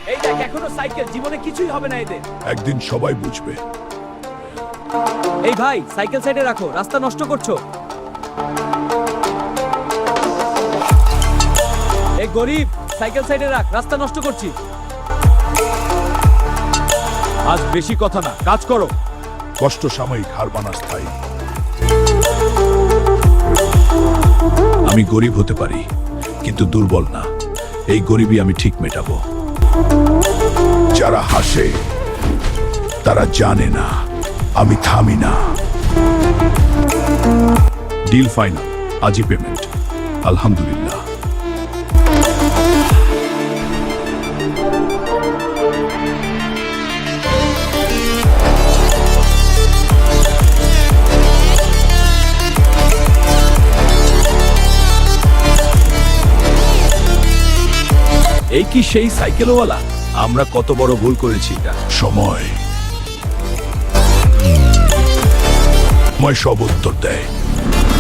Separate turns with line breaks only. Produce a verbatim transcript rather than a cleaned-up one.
এই দেখ এখনো সাইকেল, জীবনে কিছুই হবে না এদের।
একদিন সবাই বুঝবে।
এই ভাই, সাইকেল সাইডে রাখো, রাস্তা নষ্ট করছো। এই গরিব, সাইকেল সাইডে রাখ, রাস্তা নষ্ট করছি। আজ বেশি কথা না, কাজ করো।
কষ্ট সাময়িক, হার মানা স্থায়ী। আমি গরিব হতে পারি, কিন্তু দুর্বল না। এই গরিবই আমি ঠিক মেটাবো। যারা হাসে তারা জানে না আমি থামি না। ডিল ফাইনাল, আজই পেমেন্ট। আলহামদুলিল্লাহ। এই কি সেই সাইকেলওয়ালা? আমরা কত বড় ভুল করেছি। এটা সময় সময় সব উত্তর দেয়।